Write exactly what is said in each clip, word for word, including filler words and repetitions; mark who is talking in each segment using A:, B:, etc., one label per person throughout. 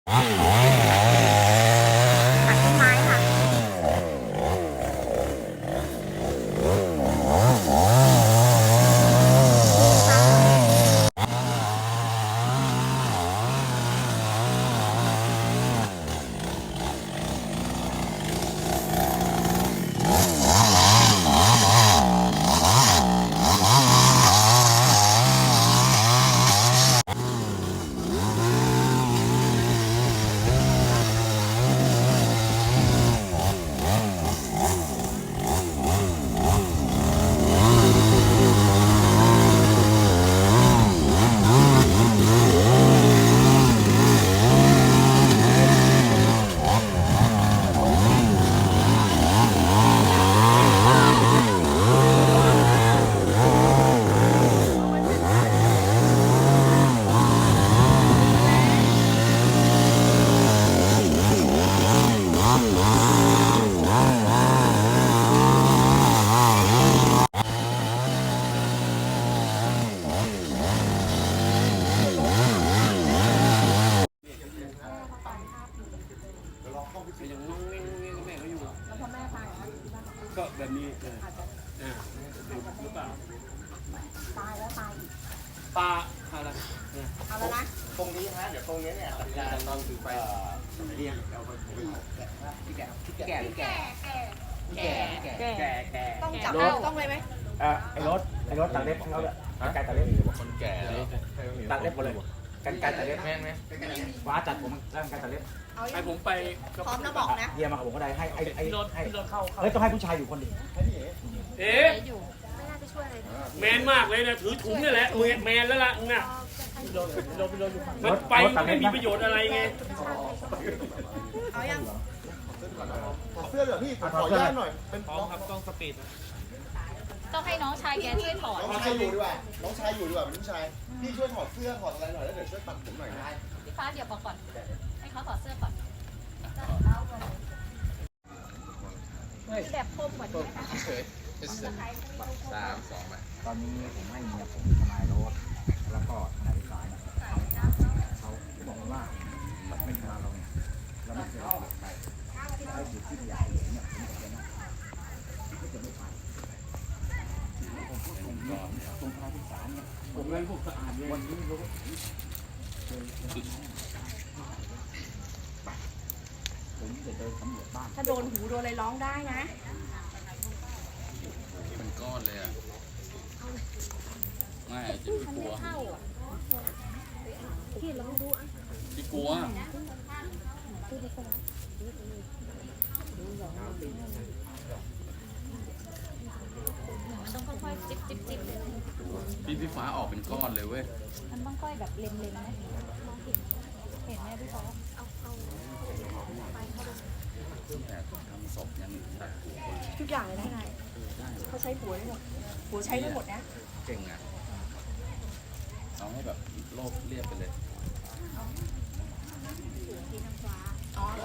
A: ตัดต้นไม้ค่ะ
B: ก็แบบนี้เอออ่าหรือเปล่า
A: ตายแล้วตายอีก
B: ปลาอะไร
A: เอาแล้วนะ
C: ตรงนี้ฮะเดี๋ยวตรงนี้เนี่ยสัญญาณตอนถือไปเรียงเอาไปพี่แก่พี่แก่
A: แก่แก่
C: แก่
A: แก่
B: แก่แก่
A: ต้องจับต้องเลยไหม
C: อ่ะไอ้รถไอ้รถตัดเล็บของเขาเนี่ยกันไกลตัดเล็บ
D: คนแก่แล้ว
C: ตัดเล็บหมดเลยกันไกลตัดเล็บแม่งไหมฟ้าจัดผมแล้วกันไกลตัดเล็บ
A: เอา
B: ให้ผมไป
A: พร้อมแล้วบอกนะ
C: เยี่ยมมากับผมก็ได้ให้ไอ้ไอ้
B: พี่รถ
C: ให้
B: พี่รถเข้า
C: เฮ้ยต้องให้ผู้ชายอยู่คนเดียว
B: เอ๊ะ
A: อยู่ไม่น่าจะช่วยเลยนะ
B: แมนมากเลยนะถือถุงนี่แหละมือแมนแล้วล่ะน่ะมันไปไม่มีประโยชน์อะไรไง
A: เอายัง
E: ขอเสื้อเหลือพี่ผมขออนุญาตหน่อย เป็น
B: พร้อมครับกล้องสปีดนะ
F: ต้องให้น้องชายแกช่วยถอด
E: น้องชายอยู่ดีกว่า น้องชายอยู่ดีกว่าเป็นผู้ชาย พี่ช่วยถอดเสื้อถอดอะไรหน่อยแล้วเดี๋ยวช่วยตัดผมหน่อยนะ
F: พี่ฟ้าเดี๋ยวบอกก่อน ให้เขาถอดเสื้อก่อนแบบคมกว่านี้นะคะ
D: สามสองไป
C: ตอนนี้ผมให้เมียผมทนายรถแล้วก็ทนายสายเขาบอกว่ามันเป็นทนายเราเนี่ยแล้วไม่เคยเปลี่ยนไปไอ้จุดที่อยากเห็นเนี่ยผมจะไม่ก็จะไม่ไปผมพูดตรงนี้ตรงทนายสารเนี่ยผมเลยพวกสะอาดเลยวันนี้รู้ผมจะเดินสำรวจบ้าน
A: ถ้าโดนหูโดนอะไรร้องได้นะ
D: เป็นก้อนเลยอ่ะไม่จะพี่กลัวพี่ลองดูอ่ะพี่กลัว
F: ต้องค่อยๆจิ๊บจิ๊บจิ๊บเลย
D: พี่พี่ฟ้าออกเป็นก้อนเลยเว้ย
F: มันต้องค่อยแบบเล็มๆนะเห็นไหมพี่ฟ้า
D: แต่ทำศพยังตัดหัวคน
A: ทุกอย่างเลยนะนายเขาใช้หัวได้หมดหัวใช้ได้หมดนะ
D: เก่งอ่ะเอาให้แบบโลกเรียบไปเลย
A: อ๋อ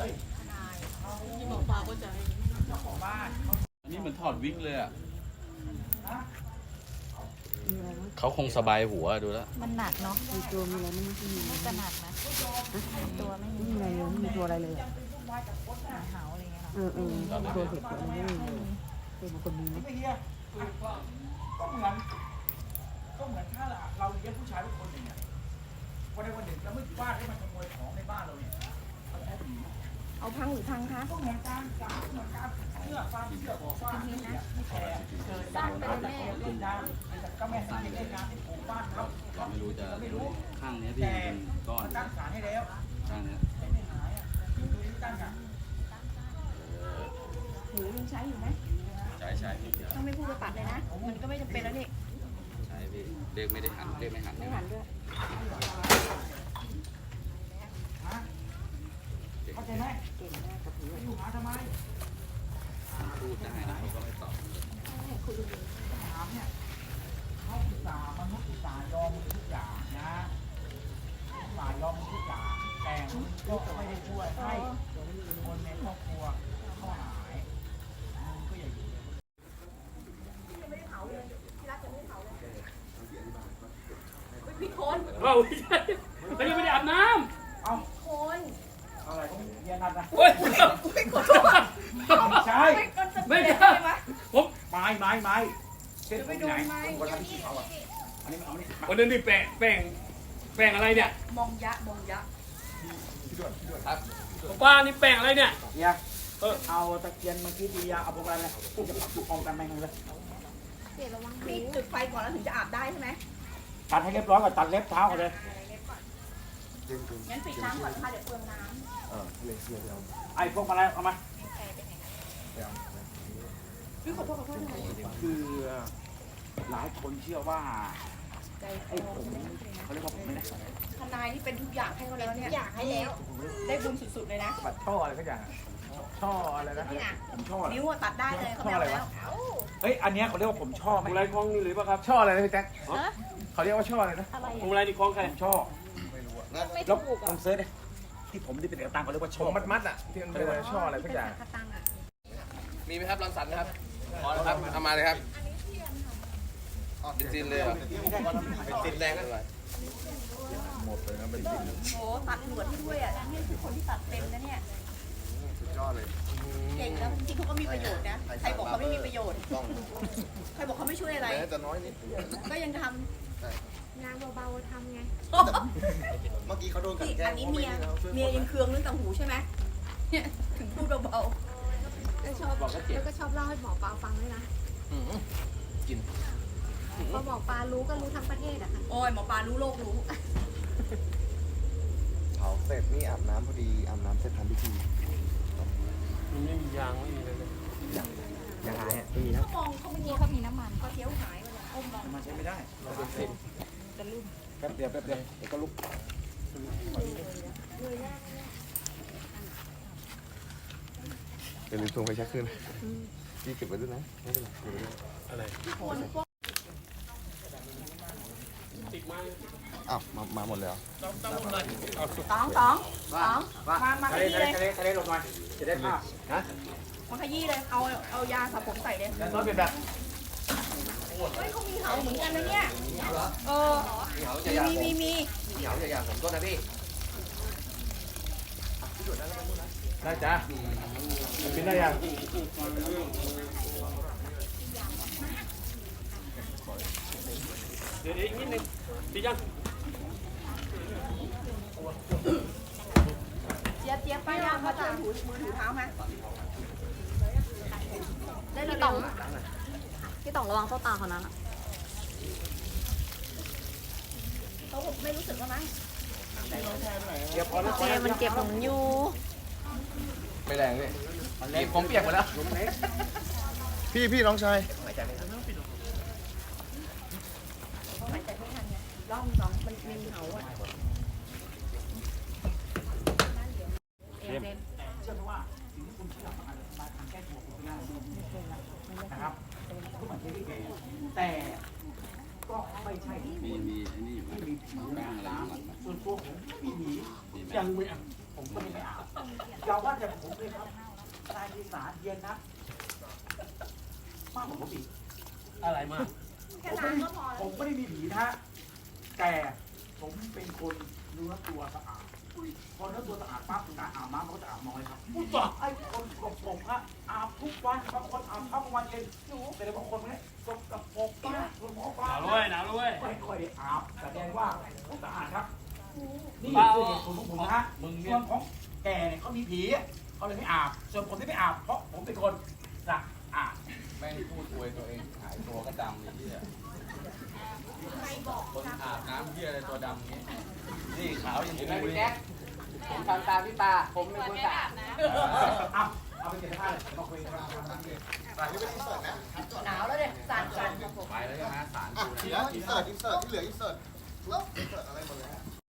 D: อันนี้เหมือนถอดวิกเลยอ่ะเขาคงสบายหัวดูแล้ว
F: มันหนักเนาะ
G: มีตัวมีอะไรไม่มีที่มี
F: น่าจะหนักนะตัวไม่
G: ไม่
F: มี
G: มีอะไรเลยไม่มีตัวอะไรเลยอะ
F: เหาอะไรเงี้ย
G: เออเออตัวเห็ดตัวอะไรไม่มีเลยเป็นบางคนมีไหม
C: ก็เหมือนก็เหมือนถ้าเราเลี้ยงผู้ชายทุกคนอย่างเงี้ยวันใดวันหนึ่งเราไม่ว่าให้มันขโมยของในบ้านเราเนี่ยเขาใช้ผี
A: เอาพังหรือพังคะ
C: ก็เหมือนการสามเหมือนการเชื่อความเชื่อบอกว่าเนี่ยไม่แคร์เกิด
F: สร้างเป็นแม่
C: เล่นน้ำแต่ก็แม่สังเกตเล่นน้ำที่ปลูกบ้านเขา
D: เราไม่รู้จะข้างนี้พี่เป็นก้อน
C: ตั้งศาลให้แล้ว
D: ข้างนี้
C: แต่ไม่หายอ่ะดูที่ตั้งอ่ะ
A: หูยังใช้อยู่ไหม
D: ใช่ใช่พี่
A: ต้องไม่พูดไปปัดเลยนะ มันก็ไม่จำเป็นแล้วนี่
D: ใช่พี่เรียกไม่ได้หันเรียกไม่หัน
A: ไม่หันด้วย
C: เข้าใจไหมอยู่หาทำไม
D: พูดได้นะเขาก็ไม่ตอบ
C: ถามเนี่ยเขาอุตส่าห์มนุษย์อุตส่าห์ยอมมือทุกอย่างนะอุตส่าห์ยอมมือทุกอย่างแต่ก็ไม่ได้ช่วยให้คนในครอบครัวเขาหายมึงก็อย่าอยู่
A: พี่โคน
B: เอ้าไม่ใช่เขายังไม่ได้อาบน้
C: เอา
A: โคน
C: นัดนะ
B: โอ้ย
C: ใช่
B: ไม่ใช่ผม
C: ไม้ไม้ไม้เส้นผมไหนคนทำที่เขาอ่ะอันนี้เอาไม่
B: วันนั้นนี่แป้งแป้งแป้งอะไรเนี่ย
A: มองยะมองยะ
B: ป้านี่แป้งอะไรเนี่ย
C: เฮียเออเอาตะเกียงมาคิดดียาเอาพวกอะไรเลยพูดจะปักกองกันแม่งเลย
F: เสียระวัง
A: นี่จุดไฟก่อนแล้วถึงจะอาบได้ใช่ไหม
C: ตัดให้เรียบร้อยก่อนตัดเล็บเท้าก่อนเลย
A: งั้นปิดน้ำก่อนค่ะเดี๋ยวเปลืองน้
C: ไอ้พวกมาแล้วเอามา
A: ำพี่ขอโทษขอโทษนะ
C: คือหลายคนเชื่อว่า
A: ใจ
C: ไอ้ผมเขาเรียกว่าผมไม่ได้
A: ทนายนี่เป็นทุกอย่างให้เขาแล้วเนี่ย
F: อยากให้แล้ว
A: ได้บุญสุดๆเลยนะ
C: ปัดช่ออะไรก็อย่างช่ออะไรนะผมช่อ
A: นิ้วอะตัดได้เลยเขาไม่เอาแล้ว
C: เฮ้ยอันเนี้ยเขาเรียกว่าผมช่อ
B: พ
C: ไหม
B: วงไรคล้องนี่หรือเปล่าครับ
C: ช่ออะไรนะพี่แจ๊คเขาเรียกว่าช่ออะไรนะ
F: อะไร
B: พวงไรนี่คล้องใคร
C: ผมช่อ
F: ไม่
C: แล้ว
F: ถูก
C: ล
F: อ่ะ
C: องเซิร์ชดิที่ผมที่เป็นเอกตังเขาเรียกว่าช่อมัดมัดอ่ะที่มันเรียกว่าช่ออะไรสักอย่าง
A: กระตังอ่ะ
D: มีไหมครับรังสรรค์นะครับพอแล้วครับเอามาเลยครับเป็นจินเลยเหรอเป็นจินแรงก็เลย
A: โอ้ตัดหนวดให้ด้วยอ่ะนี่คือคนที่ตัดเป็นนะเนี่ย
E: สุดยอดเลย
A: เก่งแล้วจริงๆเขาก็มีประโยชน์นะใครบอกเขาไม่มีประโยชน์
E: ต้อง
A: ใครบอกเขาไม่ช่วยอะไร
E: แม้จะน้อยนิด
A: ก็ยังท
F: งานเบาๆทำไง
A: ำ
E: เมื่อกี้เขาโดนกัน
A: นี่
E: แกล้
A: อั
E: ง
A: นนี้เมียเมียยังเคืองเรื่องต่างหูใช่ไหมเนี่ยถึงพูดเบา
F: แล้วชอบแล้วก็ชอบเล่าให้หมอปลาฟังด้วยนะ
D: กิน
F: พอหมอปลารู้ก็รู้ทั้งประเทศอะค่ะ
A: ๆโอ้ยหมอปลารู้โลกรู้
E: เผาเสร็จนี่อาบน้ำพอดีอาบน้ำเสร็จทำพิธี
B: มันไม่มียางไม่มีอะไรเลย
C: ยังไงอ่ะดีแล้ว
A: เขามองเขาไม่
F: เมื่อ
A: ม
F: กี้
A: อง
F: เขามีน้ำมัน
A: เขาเที่ยวหายไปเลยก้มมอง
C: มันใช้ไม่ได้
F: จะลุ่ม
C: แป๊บเดียวแป๊บเดียวเดี๋ยวก็ลุก
E: อย่าลืมส่งไปเช็คขึ้นพี่เก็บไว้ด้วยนะไม่เป็นไรเก็บไว้ด้วย
B: อะไร
A: คนพวก
B: ติดมา
E: อ้าวมามาหมดแล้ว
B: ต้องต้องหมดเลย
A: สองสองสองมามาข
C: ทะเล
A: ยี้
C: ทะเล
A: เลย
C: ทะเลทะเลลงมาจะได้ภาพนะ
A: มาขยี้เลย เอาเอายาสระผมใส่เลย
C: แล้วต้นเป็นแบบ
A: เฮ้ยเขามีเหาเหมือนกันนะเนี่ยเออ
D: มีเหา
A: มี
D: จะยา
A: มี
D: ผม
A: มีมี
D: มีเหาจะยาผมต้นนะพี่
C: ได้จ้ะกินได้ยัง
B: เดี๋ยวอีกนิดนึงดียัง
A: เจี๊ยบเจี๊ยบป้ายามาช่วยถูมือถูเท้ามาได้เลย
F: พี่ต๋องพี่ต๋องระวังเข้าตาเขานั้นอะ
A: เขาไม่รู้สึกแล้วมั้ง
C: เดี๋ยวพอแล้ว
F: เจมันเจ็บผมอยู่
D: ไม่แรงเลยมีผมเปียกหมดแล้ว
E: พี่พี่น้องชาย
A: หายใจไม่ทันไงรอบสองมันมีเหาอ่ะเอ็มเอ็ม
C: เชื่อไหมว่าสิ่งที่คุณเชื่อมันอาจจะมาทางแก้ตัวคุณได้นะครับทุกคนที่แก่แต่ก็ไม่ใช่ที่
D: มีมีไอ้นี่อยู่
C: มีผีนะส่วนตัวผมไม่มีผียังไม่อ่ะผมก็ไม่อาบอย่าว่าแต่ผมเลยครับนายดีสารเย็นนะมากกว่าผมอีก
B: อะไรมาก
A: แค่ล้างก็พอแล้ว
C: ผมไม่ได้มีผีนะฮะแต่ผมเป็นคนเนื้อตัวสะอาดพอเนื้อตัวสะอาดปั๊บการอาบน้ำมันก็จะอาบน้อยครับผู้ต่อไอ้คนสกปรกฮะอาบทุกวันบางคนอาบเช้ากลางวันเย็นแต่บางคนเนี่ยสกปรกมากหมอปลา
B: หนาวด้วยหนาวด้วย
C: ไม่ค่อยได้อาบแสดงว่าสะอาดครับนี่คือเหตุผลของผมนะฮะส่วนของแกเนี่ยเขามีผีเขาเลยไม่อาบส่วนผมที่ไม่อาบเพราะผมเป็นคนสะอาด
D: แม่งพูดอวยตัวเองหายตัวก็ดำนี่ที่คนอาบน้ำเที่ยอะไรตัวดำนี้นี่ขาวอย่างนี้พี่แจ๊คผมทำตามพี่ตาผมเป็นคนสะอาดนะ
C: เอาเอาไปเก็บผ้าเลยมาคุยกัน
E: ถ่ายที่เป็นอินเสิร์ตนะ
A: หนาวแล้วเนี่ยสั่นสั่น
D: ไปแล้วใช่ไหมสาร
E: อ่ะทีนี้อินเสิร์ตอินเสิร์ตที่เหลืออินเสิร์ตอินเสิร์ตอะไรหมดเลย